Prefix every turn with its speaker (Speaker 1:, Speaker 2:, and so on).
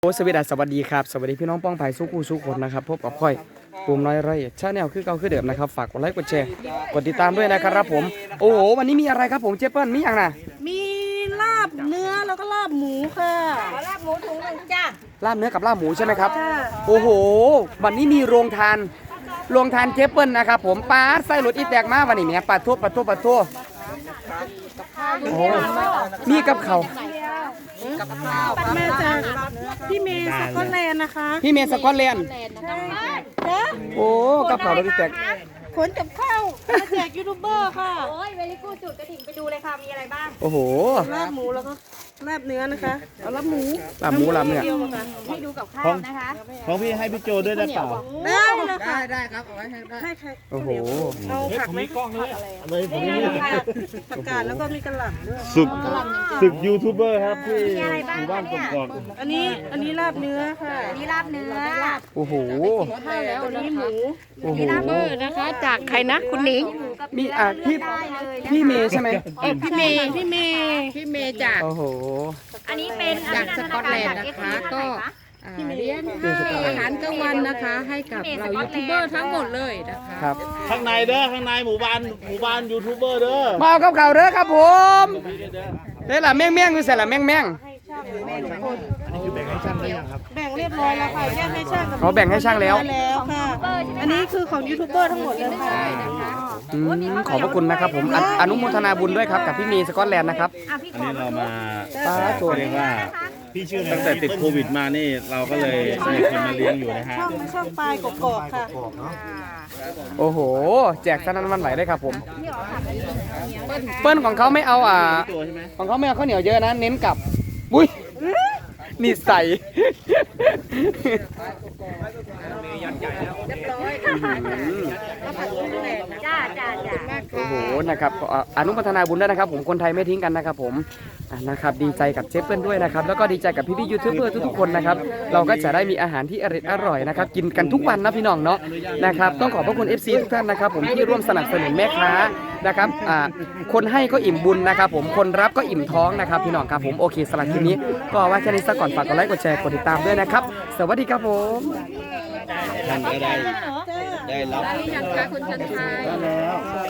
Speaker 1: โอ้สวัสดีครับสวัสดีพี่น้องป้องไผ่สู้คู่สู้คนนะครับพบกับค่อยปุ่มน้อยไรชาแนลคือเก่าคือเดิมนะครับฝากกดไลค์กดแชร์กดติดตามด้วยนะครับผมโอ้โหวันนี้มีอะไรครับผมเจเปิ้ลมีอย่างน่ะ
Speaker 2: มีลาบเนื้อแล้วก็ลาบหมูค่ะ
Speaker 3: ลาบหมูถุงหนึ่งจ้า
Speaker 1: ลาบเนื้อกับลาบหมูใช่ไหมครับโอ้โหวันนี้มีโรงทานเจเปิ้ลนะครับผมปลาไส้หลุดอีแตกมาวันนี้เนี่ยปลาทุบโอ้มีกับเขา
Speaker 2: มาจากพี่เมย์สกอตแลนด์นะคะ
Speaker 1: พี่เมย์สกอตแลนด์โอ้กับเขาเราอีแตก
Speaker 2: ขนกับข้าวมาแจกยูทูบเบอร์ค่ะ
Speaker 3: โอ้ยเวลิกูจุดกระดิ่งไปดูเลยค่ะมีอะไรบ้าง
Speaker 1: โอ้โห
Speaker 2: ลาบหมูแล้วก็ลาบเนื้อนะคะเอาลาบหมู
Speaker 1: ลาบเนื้อ
Speaker 3: ให้ดูกับข้าวนะคะ
Speaker 4: ของพี่ให้พี่โจด้วยได้เปล่า
Speaker 2: ได้เลยค่ะ
Speaker 1: ได้ครับเอาไว้ให้ใครโอ้โห
Speaker 2: เอาผักไหม
Speaker 4: อะไรผมนี่
Speaker 2: ผักกาดแล้วก็มีกระหล่ำด้วย
Speaker 4: ศึกยูทูบเบอร์ครับที่หมู่บ้านกกอก
Speaker 2: อันนี้ลาบเนื้อค่ะ
Speaker 3: อันนี้ลาบเนื้อ
Speaker 1: โอ้โห
Speaker 2: อันนี้หมู
Speaker 1: โอ้โห
Speaker 2: นะคะจากใครนะคุณหนิง
Speaker 1: มีพี่เมย์ใช่ไหม
Speaker 2: พี่เมย์จาก
Speaker 1: โอ้โห
Speaker 3: อันนี้เป็น
Speaker 5: จากสกอตแลนด์นะคะก็เลี้ยงอาหารกลางวันนะคะให้กับเรายูทูบเบอร์ทั้งหมดเลยนะคะ
Speaker 1: ครับ
Speaker 4: ข้างในเด้อข้างในหมู่บ้านยูทูบเบอร์เด้อ
Speaker 1: มากับเขาเด้อครับผมนี่แหละแม่งคือเสร็จละแม่ง
Speaker 4: อันนี้คือแบ่งให้ช่างได้ยังครับ
Speaker 2: แบ่งเรียบร้อยแล้วค่ะแยกให้ช่าง
Speaker 1: เขาแบ่งให้ช่างแล้ว
Speaker 2: ค่ะอันนี้คือของยูทูบเบอร์ทั้งหมดเลยค่ะ
Speaker 1: ขอบพระคุณนะครับผมอนุโมทนาบุญด้วยครับกับพี่เมย์สกอตแลนด์นะครับ
Speaker 4: อันนี้เรามา
Speaker 1: ตัว
Speaker 4: เรียกว่าพี่ชื่อตั้งแต่ติดโควิดมานี่เราก็เลยมีคนมาเลี้ยงอยู่นะฮะ
Speaker 2: ช่องปลายกกอกค่ะ
Speaker 1: โอ้โหแจกสนั่นวันไหลได้ครับผมเปิ้ลของเขาไม่เอาของเขาไม่เอาข้าวเหนียวเยอะนะเน้นกับอุ้ยนี่ใส่โอ้โหนะครับอนุโมทนาบุญด้วยนะครับผมคนไทยไม่ทิ้งกันนะครับผมนะครับดีใจกับเจเปิ้ลด้วยนะครับแล้วก็ดีใจกับพี่ยูทูบเบอร์ทุกๆคนนะครับเราก็จะได้มีอาหารที่อร่อยนะครับกินกันทุกวันนะพี่น้องเนาะนะครับต้องขอบพระคุณ FC ทุกท่านนะครับผมที่ร่วมสนับสนุนแม่ค้านะครับคนให้ก็อิ่มบุญนะครับผมคนรับก็อิ่มท้องนะครับพี่น้องครับผมโอเคสำหรับคลิปนี้ก็ว่าแค่นี้ซะก่อนฝากกดไลค์กดแชร์กดติดตามด้วยนะครับสวัสดีครับผม
Speaker 4: ท่านก็ได้รับ
Speaker 5: ยังคะคุณชันชัย